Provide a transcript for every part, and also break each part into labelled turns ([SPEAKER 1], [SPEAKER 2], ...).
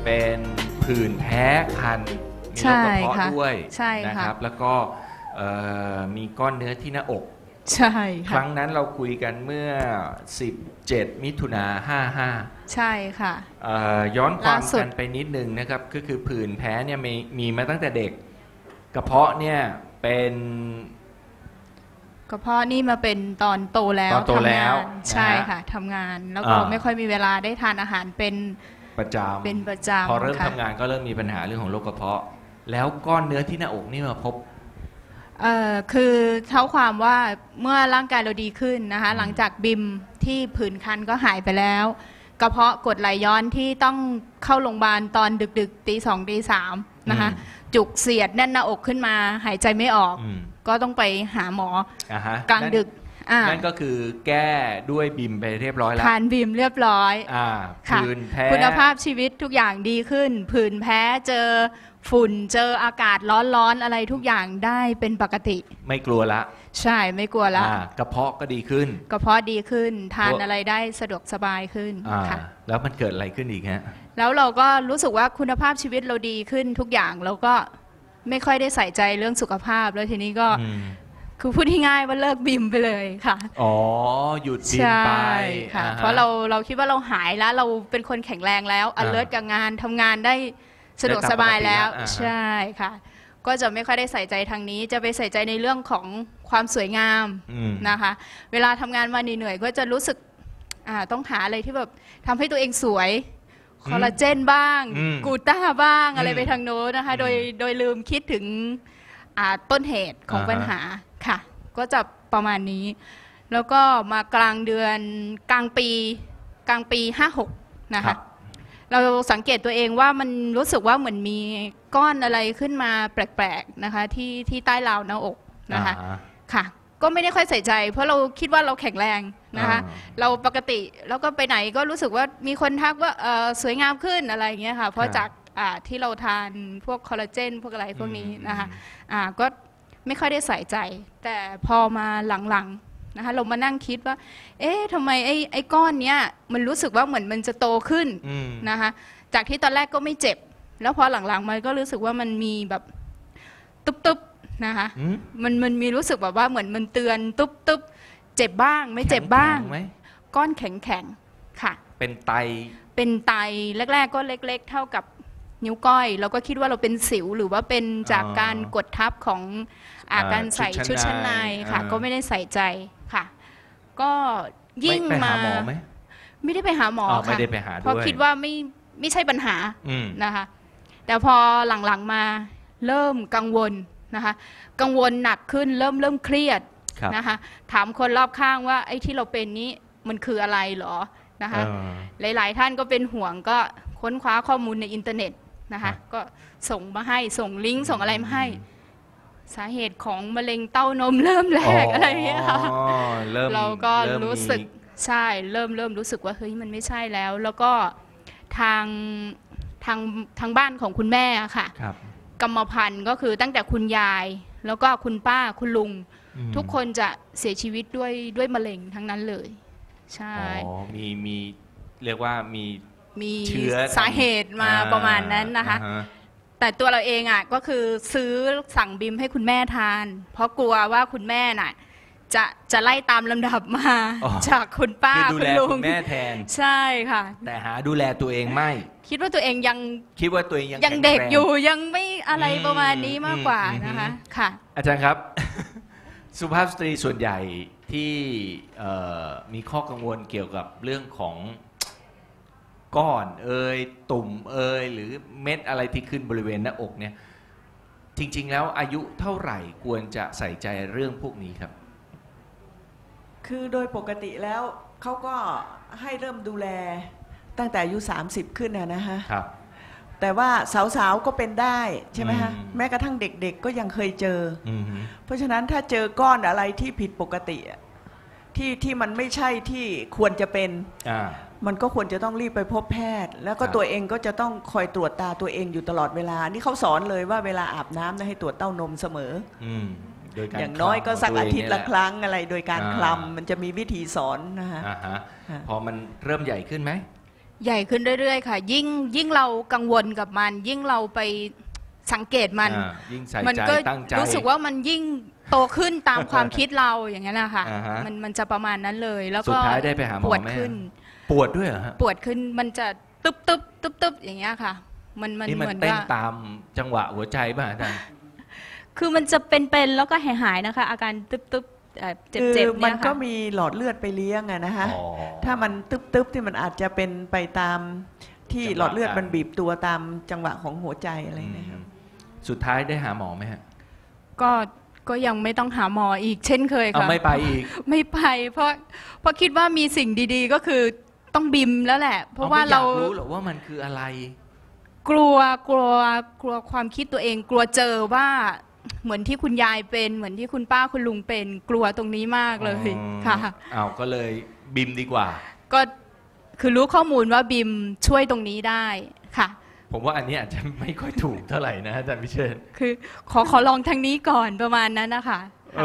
[SPEAKER 1] เป็นผื่นแพ้คันมีโรคกระเพาะด้วยนะครับแล้วก็มีก้อนเนื้อที่หน้าอก
[SPEAKER 2] ใช่
[SPEAKER 1] ครั้งนั้นเราคุยกันเมื่อ17 มิถุนา55
[SPEAKER 2] ใช่ค่ะ
[SPEAKER 1] ย้อนความกันไปนิดนึงนะครับก็คือผื่นแพ้เนี่ยมีมาตั้งแต่เด็กกระเพาะเนี่ยเป็น
[SPEAKER 2] กระเพาะนี่มาเป็นตอนโตแล้ว
[SPEAKER 1] ทำงาน
[SPEAKER 2] ใช่ค่ะทำงานแล้วก็ไม่ค่อยมีเวลาได้ทานอาหารเป็น
[SPEAKER 1] ประจำพอเริ่มทำงานก็เริ่มมีปัญหาเรื่องของโรคกระเพาะแล้วก้อนเนื้อที่หน้าอกนี่มาพบ
[SPEAKER 2] คือเท่าความว่าเมื่อร่างกายเราดีขึ้นนะคะหลังจากบิมที่ผื่นคันก็หายไปแล้วกระเพาะกรดไหลย้อนที่ต้องเข้าโรงพยาบาลตอนดึกๆตี2ตี3นะคะจุกเสียดแน่นหน้าอกขึ้นมาหายใจไม่ออกก็ต้องไปหาหมอกลางดึก
[SPEAKER 1] นั่นก็คือแก้ด้วยบิมไปเรียบร้อยแล้ว
[SPEAKER 2] ทานบิมเรียบร้อย
[SPEAKER 1] ผื่นแพ้
[SPEAKER 2] คุณภาพชีวิตทุกอย่างดีขึ้นผื่นแพ้เจอฝุ่นเจออากาศร้อนๆอะไรทุกอย่างได้เป็นปกติ
[SPEAKER 1] ไม่กลัวละ
[SPEAKER 2] ใช่ไม่กลัวละ
[SPEAKER 1] กระเพาะก็ดีขึ้น
[SPEAKER 2] กระเพาะดีขึ้นทานอะไรได้สะดวกสบายขึ้นค่ะ
[SPEAKER 1] แล้วมันเกิดอะไรขึ้นอีกฮะ
[SPEAKER 2] แล้วเราก็รู้สึกว่าคุณภาพชีวิตเราดีขึ้นทุกอย่างแล้วก็ไม่ค่อยได้ใส่ใจเรื่องสุขภาพแล้วทีนี้ก็คือพูดง่ายๆว่าเลิกบิมไปเลยค่ะ
[SPEAKER 1] หยุดบิมไป
[SPEAKER 2] ค่ะเพราะเราคิดว่าเราหายแล้วเราเป็นคนแข็งแรงแล้วalertกับงานทำงานได้สะดวกสบายแล้วใช่ค่ะก็จะไม่ค่อยได้ใส่ใจทางนี้จะไปใส่ใจในเรื่องของความสวยงามนะคะเวลาทำงานมาเหนื่อยๆก็จะรู้สึกต้องหาอะไรที่แบบทำให้ตัวเองสวยคอลลาเจนบ้างกูต้าบ้างอะไรไปทางโน้นนะคะโดยลืมคิดถึงต้นเหตุของปัญหาค่ะก็จะประมาณนี้แล้วก็มากลางปี56นะคะเราสังเกตตัวเองว่ามันรู้สึกว่าเหมือนมีก้อนอะไรขึ้นมาแปลกๆนะคะที่ใต้ราวหน้าอกนะคะค่ะก็ไม่ได้ค่อยใส่ใจเพราะเราคิดว่าเราแข็งแรงนะคะเราปกติแล้วก็ไปไหนก็รู้สึกว่ามีคนทักว่าสวยงามขึ้นอะไรอย่างเงี้ยค่ะเพราะจากที่เราทานพวกคอลลาเจนพวกอะไรพวกนี้นะคะก็ไม่ค่อยได้ใส่ใจแต่พอมาหลังๆนะคะเรามานั่งคิดว่าเอ๊ะทำไมไอ้ก้อนเนี้ยมันรู้สึกว่าเหมือนมันจะโตขึ้นนะคะจากที่ตอนแรกก็ไม่เจ็บแล้วพอหลังๆมันก็รู้สึกว่ามันมีแบบตุ๊บๆนะคะมันมีรู้สึกแบบว่าเหมือนมันเตือนตุ๊บๆเจ็บบ้างไม่เจ็บบ้างก้อนแข็งๆค่ะ
[SPEAKER 1] เป็นไต
[SPEAKER 2] แรกๆก็เล็กๆเท่ากับนิ้วก้อยเราก็คิดว่าเราเป็นสิวหรือว่าเป็นจากการกดทับของการใส่ชุดชั้นในค่ะก็ไม่ได้ใส่ใจค่ะก็ยิ่งมาไม่ได้ไปหาหมอค่ะเพราะคิดว่าไม่ใช่ปัญหานะคะแต่พอหลังๆมาเริ่มกังวลนะคะกังวลหนักขึ้นเริ่มเครียดนะคะถามคนรอบข้างว่าไอ้ที่เราเป็นนี้มันคืออะไรหรอนะคะหลายๆท่านก็เป็นห่วงก็ค้นคว้าข้อมูลในอินเทอร์เน็ตนะคะก็ส่งมาให้ส่งลิงก์ส่งอะไรมาให้สาเหตุของมะเร็งเต้านมเริ่มแรกอะไรอย่างเงี้ยค่ะเราก็รู้สึกใช่เริ่มรู้สึกว่าเฮ้ยมันไม่ใช่แล้วแล้วก็ทางบ้านของคุณแม่ค่ะกรรมพันธุ์ก็คือตั้งแต่คุณยายแล้วก็คุณป้าคุณลุงทุกคนจะเสียชีวิตด้วยมะเร็งทั้งนั้นเลยใช่
[SPEAKER 1] มีเรียกว่ามีเชื้อ
[SPEAKER 2] สาเหตุมาประมาณนั้นนะคะแต่ตัวเราเองก็คือซื้อสั่งบิมให้คุณแม่ทานเพราะกลัวว่าคุณแม่น่ะจะไล่ตามลำดับมาจากคุณป้า
[SPEAKER 1] คุณลุงแม่แทน
[SPEAKER 2] ใช่ค่ะ
[SPEAKER 1] แต่หาดูแลตัวเองไม่
[SPEAKER 2] คิดว่าตัวเองยังเด็กอยู่ยังไม่อะไรประมาณนี้มากกว่านะคะค่ะ
[SPEAKER 1] อาจารย์ครับสุภาพสตรีส่วนใหญ่ที่มีข้อกังวลเกี่ยวกับเรื่องของก้อนตุ่มหรือเม็ดอะไรที่ขึ้นบริเวณหน้าอกเนี่ยจริงๆแล้วอายุเท่าไหร่ควรจะใส่ใจเรื่องพวกนี้ครับ
[SPEAKER 3] คือโดยปกติแล้วเขาก็ให้เริ่มดูแลตั้งแต่อายุ30ขึ้นนะฮะแต่ว่าสาวๆก็เป็นได้ใช่ไหมฮะแม้กระทั่งเด็กๆก็ยังเคยเจอเพราะฉะนั้นถ้าเจอก้อนอะไรที่ผิดปกติที่มันไม่ใช่ที่ควรจะเป็นมันก็ควรจะต้องรีบไปพบแพทย์แล้วก็ตัวเองก็จะต้องคอยตรวจตาตัวเองอยู่ตลอดเวลานี่เขาสอนเลยว่าเวลาอาบน้ำให้ตรวจเต้านมเสมออย่างน้อยก็สักอาทิตย์ละครั้งอะไรโดยการคลำมันจะมีวิธีสอนนะฮะ
[SPEAKER 1] พอมันเริ่มใหญ่ขึ้นไหม
[SPEAKER 2] ใหญ่ขึ้นเรื่อยๆค่ะยิ่งเรากังวลกับมันยิ่งเราไปสังเกตมัน
[SPEAKER 1] ยิ่งใส่
[SPEAKER 2] มัน
[SPEAKER 1] ใจ
[SPEAKER 2] ก็
[SPEAKER 1] ตั้งใจ
[SPEAKER 2] รู้สึกว่ามันยิ่งโตขึ้นตามความคิดเราอย่างนั้นนะคะมันจะประมาณนั้นเลยแล้วก็
[SPEAKER 1] สุดท้ายได้ไปหาหมอไหม
[SPEAKER 2] ปวดขึ้น
[SPEAKER 1] ปวดด้วยเหรอฮะ
[SPEAKER 2] ปวดขึ้นมันจะตึบอย่างเงี้ยค่ะมันเหมือน
[SPEAKER 1] เต้นตามจังหวะหัวใจป่ะอาจารย์
[SPEAKER 2] คือมันจะเป็นแล้วก็หายๆนะคะอาการตึบเจ็บเนี่ยค่ะ
[SPEAKER 3] มันก็มีหลอดเลือดไปเลี้ยงอะนะคะถ้ามันตึบที่มันอาจจะเป็นไปตามที่หลอดเลือดมันบีบตัวตามจังหวะของหัวใจอะไรนะครับ
[SPEAKER 1] สุดท้ายได้หาหมอไหมฮะ
[SPEAKER 2] ก็ยังไม่ต้องหาหมออีกเช่นเคยค่ะ
[SPEAKER 1] ไม่ไปอีก
[SPEAKER 2] ไม่ไปเพราะคิดว่ามีสิ่งดีๆก็คือต้องบิมแล้วแหละเพราะว่าเรา
[SPEAKER 1] รู้หรอว่ามันคืออะไร
[SPEAKER 2] กลัวความคิดตัวเองกลัวเจอว่าเหมือนที่คุณยายเป็นเหมือนที่คุณป้าคุณลุงเป็นกลัวตรงนี้มากเลยค่ะ
[SPEAKER 1] ก็เลยบิมดีกว่า
[SPEAKER 2] ก็คือรู้ข้อมูลว่าบิมช่วยตรงนี้ได้ค่ะ
[SPEAKER 1] ผมว่าอันนี้อาจจะไม่ค่อยถูกเท่าไหร่นะอาจารย์พิเชษ
[SPEAKER 2] คือขอลองทางนี้ก่อนประมาณนั้นนะคะ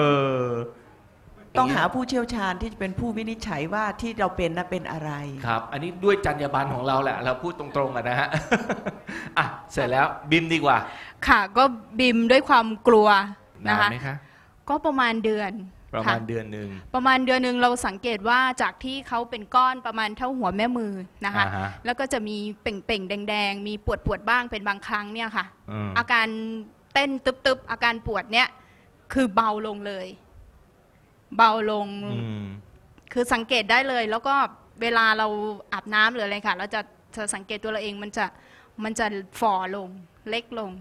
[SPEAKER 3] ต้องหาผู้เชี่ยวชาญที่จะเป็นผู้วินิจฉัยว่าที่เราเป็นน่ะเป็นอะไร
[SPEAKER 1] ครับอันนี้ด้วยจรรยาบรรณของเราแหละเราพูดตรงๆนะฮะเสร็จแล้วบิมดีกว่า
[SPEAKER 2] ค่ะก็บิมด้วยความกลัวนะคะ
[SPEAKER 1] นานไหมคะ
[SPEAKER 2] ก็ประมาณเดือน
[SPEAKER 1] นึง
[SPEAKER 2] ประมาณเดือนนึงเราสังเกตว่าจากที่เขาเป็นก้อนประมาณเท่าหัวแม่มือนะคะแล้วก็จะมีเป่งๆแดงๆมีปวดบ้างเป็นบางครั้งเนี่ยค่ะอาการเต้นตึบอาการปวดเนี่ยคือเบาลงเลยเบาลงคือสังเกตได้เลยแล้วก็เวลาเราอาบน้ำหรืออะไรค่ะเราจะสังเกตตัวเราเองมันจะฝ่อลงเล็กลง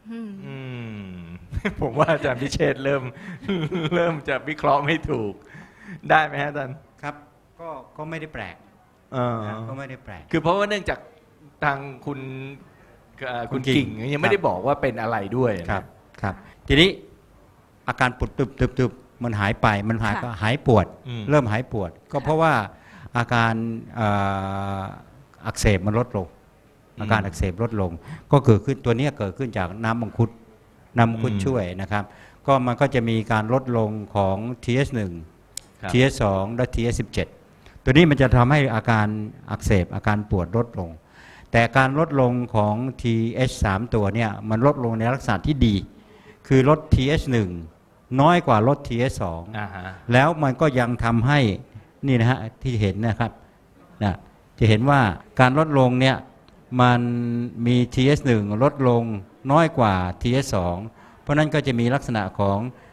[SPEAKER 1] ผมว่าอาจารย์พิเชษเริ่มจะวิเคราะห์ไม่ถูกได้ไหมฮะอาจารย์
[SPEAKER 4] ครับก็ไม่ได้แปลกก็ไม่ได้แปลก
[SPEAKER 1] คือเพราะว่าเนื่องจากทางคุณกิ่งยังไม่ได้บอกว่าเป็นอะไรด้วย
[SPEAKER 4] ครับทีนี้อาการปวดตึบมันหายไปมันก็หายปวดเริ่มหายปวดก็เพราะว่าอาการอักเสบมันลดลงอาการอักเสบลดลงก็เกิดขึ้นตัวนี้เกิดขึ้นจากน้ำมังคุดช่วยนะครับก็มันก็จะมีการลดลงของ TH1 TH2 และ TH17 ตัวนี้มันจะทำให้อาการอักเสบอาการปวดลดลงแต่การลดลงของ TH3 ตัวเนี่ยมันลดลงในลักษณะที่ดีคือลด TH1 น้อยกว่าลด TH2 แล้วมันก็ยังทำให้นี่นะฮะที่เห็นนะครับจะเห็นว่าการลดลงเนี่ยมันมี TH1 ลดลงน้อยกว่า TH2 เพราะนั้นก็จะมีลักษณะของ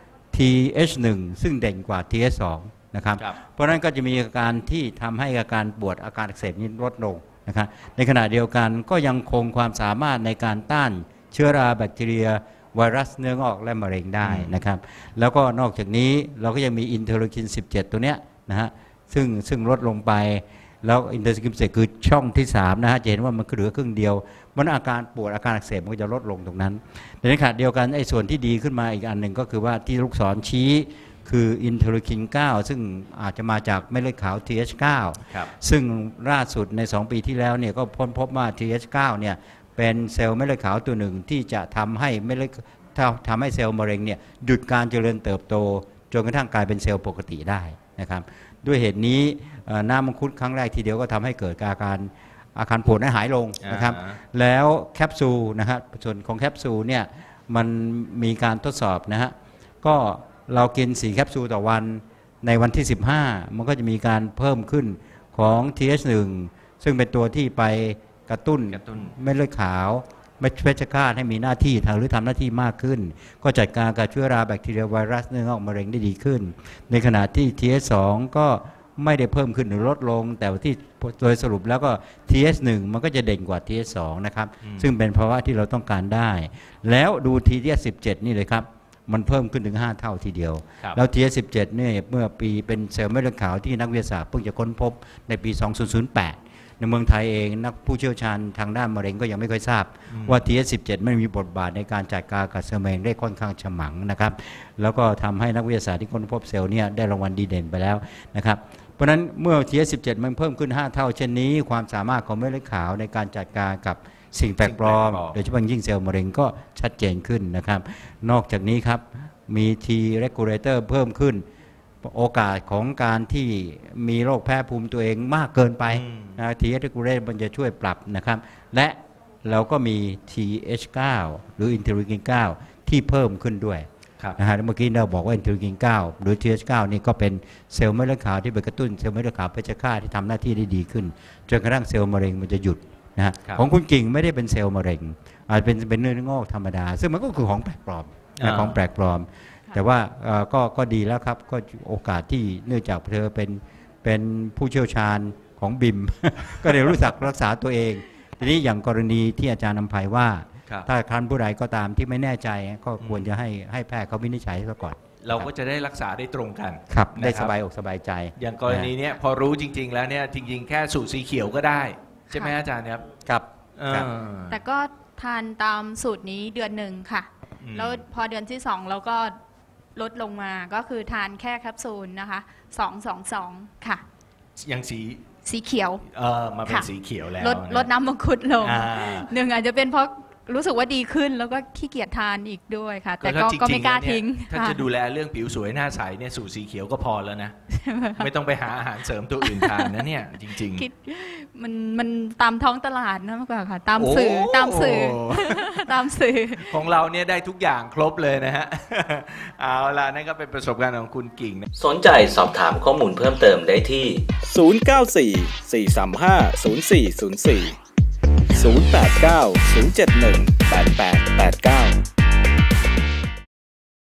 [SPEAKER 4] TH1 ซึ่งเด่นกว่า TH2 นะครับเพราะนั้นก็จะมีอาการที่ทำให้อาการปวดอาการอักเสบนี้ลดลงนะครับในขณะเดียวกันก็ยังคงความสามารถในการต้านเชื้อราแบคทีเรียไวรัสเนื้องอกและมะเร็งได้นะครับแล้วก็นอกจากนี้เราก็ยังมีอินเทอร์ลูคิน 17 ตัวเนี้ยนะฮะซึ่งลดลงไปแล้วอินเทอร์ลูคิน 17 คือช่องที่3นะฮะจะเห็นว่ามันเหลือครึ่งเดียวมันอาการปวดอาการอักเสบมันก็จะลดลงตรงนั้นในขณะเดียวกันไอ้ส่วนที่ดีขึ้นมาอีกอันหนึ่งก็คือว่าที่ลูกศรชี้คืออินเทอร์ลูคิน 9 ซึ่งอาจจะมาจากเม็ดเลือดขาว TH9 ซึ่งล่าสุดใน2 ปีที่แล้วเนี่ยก็พบว่า TH9 เนี่ยเป็นเซลล์เม็ดเลือดขาวตัวหนึ่งที่จะทำให้เม็ดเลือดทำให้เซลล์มะเร็งเนี่ยหยุดการเจริญเติบโตจนกระทั่งกลายเป็นเซลล์ปกติได้นะครับด้วยเหตุนี้น้ำมังคุดครั้งแรกทีเดียวก็ทำให้เกิดอาการปวดหายลงนะครับแล้วแคปซูลนะครับส่วนของแคปซูลเนี่ยมันมีการทดสอบนะฮะก็เรากิน4แคปซูลต่อวันในวันที่15มันก็จะมีการเพิ่มขึ้นของ TH1 ซึ่งเป็นตัวที่ไปกระตุ้นเม็ดเลือดขาวเม็ดเพชฌฆาตให้มีหน้าที่หรือทำหน้าที่มากขึ้นก็จัดการกับเชื้อราแบคทีเรียไวรัสเนื้องอกมะเร็งได้ดีขึ้นในขณะที่ TH2 ก็ไม่ได้เพิ่มขึ้นหรือลดลงแต่ที่โดยสรุปแล้วก็ TH1 มันก็จะเด่นกว่า TH2 นะครับซึ่งเป็นภาวะที่เราต้องการได้แล้วดู TH17 นี่เลยครับมันเพิ่มขึ้นถึง5เท่าทีเดียวแล้ว TH17 เนี่ยเมื่อปีเป็นเซลล์เม็ดเลือดขาวที่นักวิทยาศาสตร์เพิ่งจะค้นพบในปี 2008ในเมืองไทยเองนักผู้เชี่ยวชาญทางด้านมะเร็งก็ยังไม่ค่อยทราบว่า TH17 ไม่มีบทบาทในการจัดการกับเซลล์มะเร็งได้ค่อนข้างฉมังนะครับแล้วก็ทำให้นักวิทยาศาสตร์ที่ค้นพบเซลล์เนี่ยได้รางวัลดีเด่นไปแล้วนะครับเพราะฉะนั้นเมื่อ TH17 มันเพิ่มขึ้น5เท่าเช่นนี้ความสามารถของเม็ดเลือดขาวในการจัดการกับสิ่งแปลกปลอมโดยเฉพาะยิ่งเซลล์มะเร็งก็ชัดเจนขึ้นนะครับนอกจากนี้ครับมี T regulator เพิ่มขึ้นโอกาสของการที่มีโรคแพ้ภูมิตัวเองมากเกินไปTH regulate มันจะช่วยปรับนะครับและเราก็มี TH9 หรืออินเทอร์ลีกิน9ที่เพิ่มขึ้นด้วยนะฮะเมื่อกี้เราบอกว่าอินเทอร์ลีกิน9หรือ TH9 นี่ก็เป็นเซลล์เม็ดเลือดขาวที่ไปกระตุ้นเซลล์เม็ดเลือดขาวเพชฌฆาตที่ทำหน้าที่ได้ดีขึ้นจนกระทั่งเซลล์มะเร็งมันจะหยุดนะฮะของคุณกิ่งไม่ได้เป็นเซลล์มะเร็งอาจเป็นเนื้องอกธรรมดาซึ่งมันก็คือของแปลกปลอมของแปลกปลอมแต่ว่าก็ดีแล้วครับก็โอกาสที่เนื่องจากเธอเป็นผู้เชี่ยวชาญของบิม ก็เลยรู้จักรักษาตัวเองทีนี้อย่างกรณีที่อาจารย์นำภัยว่าถ้าท่านผู้ใดก็ตามที่ไม่แน่ใจก็ควรจะให้แพทย์เขาวินิจฉัยซะก่อน
[SPEAKER 1] เราก็จะได้รักษาได้ตรงกัน
[SPEAKER 4] ครับได้สบายอกสบายใจ
[SPEAKER 1] อย่างกรณีนี้พอรู้จริงๆแล้วเนี่ยจริงๆแค่สูตรสีเขียวก็ได้ใช่ไหมอาจารย์ครับ
[SPEAKER 4] ครับ
[SPEAKER 2] แต่ก็ทานตามสูตรนี้เดือนหนึ่งค่ะแล้วพอเดือนที่2เราก็ลดลงมาก็คือทานแค่แคปซูลนะคะ222ค่ะ
[SPEAKER 1] ยัง
[SPEAKER 2] สีเขียว
[SPEAKER 1] มาเป็นสีเขียวแล้ว
[SPEAKER 2] ลดน้ำมังคุดลงหนึ่งอาจจะเป็นเพราะรู้สึกว่าดีขึ้นแล้วก็ขี้เกียจทานอีกด้วยค่ะแต่ก็ไม่กล้าทิ้ง
[SPEAKER 1] ถ้าจะดูแลเรื่องผิวสวยหน้าใสเนี่ยสูตรสีเขียวก็พอแล้วนะไม่ต้องไปหาอาหารเสริมตัวอื่นทานนะเนี่ยจริง
[SPEAKER 2] ๆมันตามท้องตลาดนะมากกว่าค่ะตามสื่อ
[SPEAKER 1] ของเราเนี่ยได้ทุกอย่างครบเลยนะฮะเอาล่ะนั่นก็เป็นประสบการณ์ของคุณกิ่ง
[SPEAKER 5] สนใจสอบถามข้อมูลเพิ่มเติมได้ที่
[SPEAKER 6] 094 435 0404 089 071 8889